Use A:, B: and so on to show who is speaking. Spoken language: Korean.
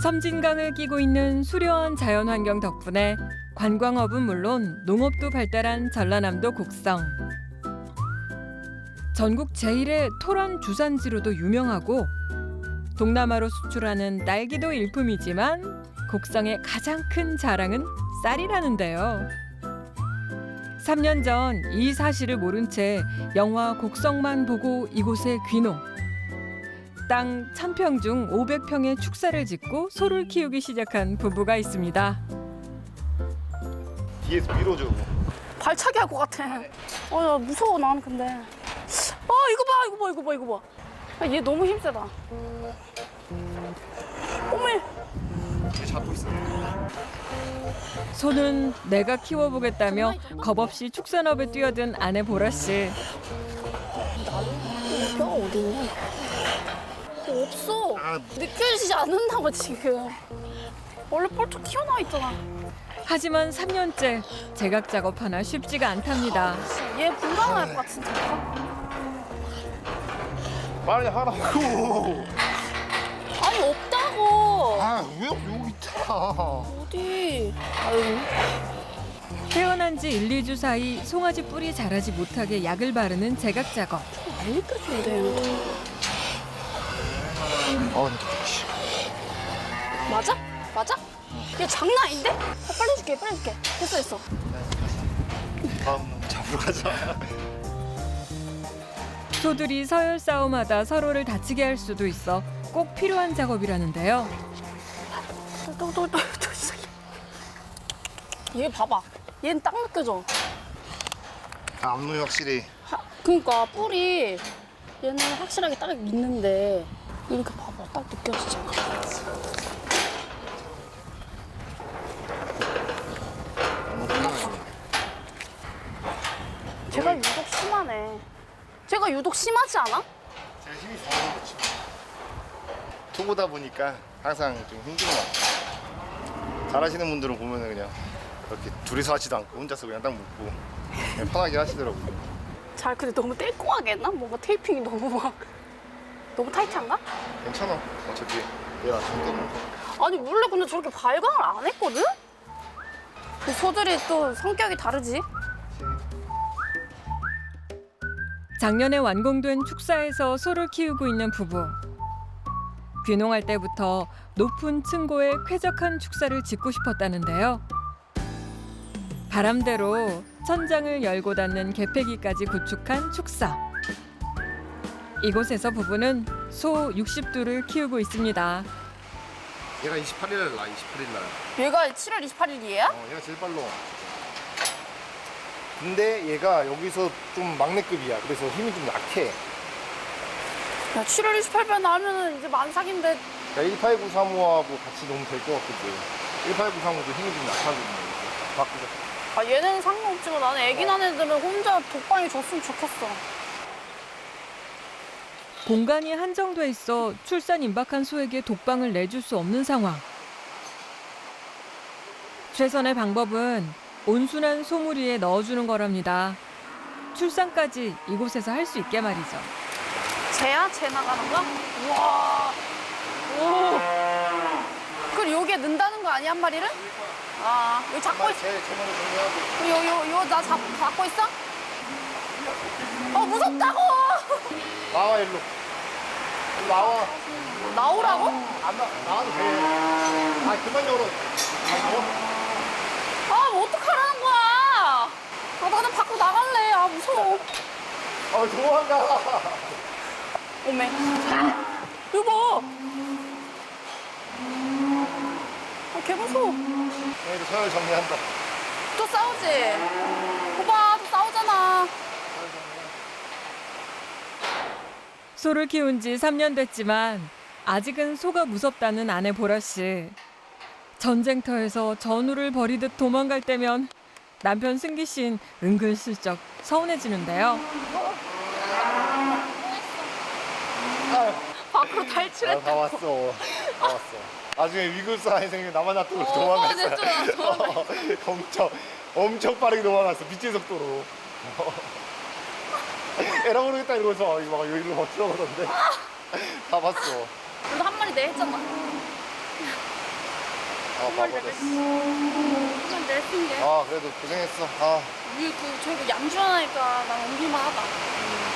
A: 섬진강을 끼고 있는 수려한 자연환경 덕분에 관광업은 물론 농업도 발달한 전라남도 곡성. 전국 제1의 토란 주산지로도 유명하고 동남아로 수출하는 딸기도 일품이지만 곡성의 가장 큰 자랑은 쌀이라는데요. 3년 전 이 사실을 모른 채 영화 곡성만 보고 이곳에 귀농. 땅 1000평 중 500평의 축사를 짓고 소를 키우기 시작한 부부가 있습니다.
B: 뒤에서 밀어줘.
C: 발차기 할 것 같아. 야, 무서워 나는 근데. 이거 봐. 야, 얘 너무 힘세다. 어메.
B: 뒤에 잡고 있어.
A: 소는 내가 키워보겠다며 겁없이 축산업에 뛰어든 아내 보라 씨.
C: 뼈가 어디 있냐? 없어. 느껴지지 않는다고 지금. 원래 뻘쩍 튀어나와 있잖아.
A: 하지만 3년째 제각 작업 하나 쉽지가 않답니다.
C: 얘 불가능할 것 같은데.
B: 빨리 하라고.
C: 아니 없다고.
B: 왜 여기 있잖아.
C: 어디? 아유.
A: 태어난 지 1, 2주 사이 송아지 뿔이 자라지 못하게 약을 바르는 제각 작업.
C: 안 느껴진대. 맞아? 맞아? 얘 장난 아닌데? 빨리 줄게. 됐어.
B: 다음 잡으러 가자.
A: 소들이 서열 싸움하다 서로를 다치게 할 수도 있어 꼭 필요한 작업이라는데요.
C: 또 시작해. 얘 봐봐. 얘는 딱 느껴져.
B: 앞눈이 확실히.
C: 그러니까 뿔이 얘는 확실하게 딱 있는데 이렇게 봐봐. 딱 느껴지잖아. 제가 유독 심하네. 제가 유독 심하지 않아?
B: 제가 힘이 좋아서 그렇지. 투보다 보니까 항상 좀 힘든 것 같아요. 잘하시는 분들은 보면은 그냥 그렇게 둘이서 하지도 않고 혼자서 그냥 딱 묶고 그냥 편하게 하시더라고요.
C: 잘 근데 너무 뗄끔하게 했나? 뭔가 테이핑이 너무 타이트한가?
B: 괜찮아. 어차피 내가 손대는 거.
C: 아니 원래 근데 저렇게 발광을 안 했거든? 그 소들이 또 성격이 다르지?
A: 작년에 완공된 축사에서 소를 키우고 있는 부부. 귀농할 때부터 높은 층고에 쾌적한 축사를 짓고 싶었다는데요. 바람대로 천장을 열고 닫는 개폐기까지 구축한 축사. 이곳에서 부부는 소 60두를 키우고 있습니다.
B: 얘가 28일 날 나, 28일 날.
C: 얘가 7월 28일이에요?
B: 얘가 제일 빨라. 근데 얘가 여기서 좀 막내급이야. 그래서 힘이 좀 약해.
C: 야 7월 28일 나오면은 이제 만삭인데.
B: 그러니까 18935하고 같이 놓으면 될 것 같거든. 18935도 힘이 좀 약하거든요. 바꾸자.
C: 아 얘는 상관없지만 나는 애기 난 애들은 혼자 독방에 줬으면 좋겠어.
A: 공간이 한정돼 있어 출산 임박한 소에게 독방을 내줄 수 없는 상황. 최선의 방법은 온순한 소무리에 넣어주는 거랍니다. 출산까지 이곳에서 할 수 있게 말이죠.
C: 쟤야? 쟤 나가는 거야? 우와. 오. 그럼 여기에 넣는다는 거 아니야 한 마리를? 아 여기 잡고 있어.
B: 제 머리 정리하고.
C: 요 나 잡고 있어? 무섭다고!
B: 나와 일로. 일로 나와.
C: 나오라고?
B: 안 나와도 돼. 그만 열어.
C: 뭐 어떡하라는 거야? 나는 밖으로 나갈래. 무서워.
B: 도망가.
C: 오메. 여보. 개 무서워.
B: 얘도 서열 정리한다.
C: 또 싸우지? 오빠 또 싸우잖아.
A: 소를 키운 지 3년 됐지만 아직은 소가 무섭다는 아내 보라 씨. 전쟁터에서 전우를 벌이듯 도망갈 때면 남편 승기 씨는 은근슬쩍 서운해지는데요.
C: 밖으로
B: 다
C: 탈출했다.
B: 왔어. 다 왔어. 나중에 위급 상황이 생기면 나만 놔두고 도망갔어. 엄청 빠르게 도망갔어. 빛의 속도로. 에라 모르겠다 이러면서 막 여기로 막 들어가던데. 다 봤어.
C: 그래도 한 마리 내 했잖아.
B: 바보 됐어.
C: 이건 낼 수 있게.
B: 아 그래도 고생했어. 아
C: 저희가 양주 하나니까 난 옮길만 하다.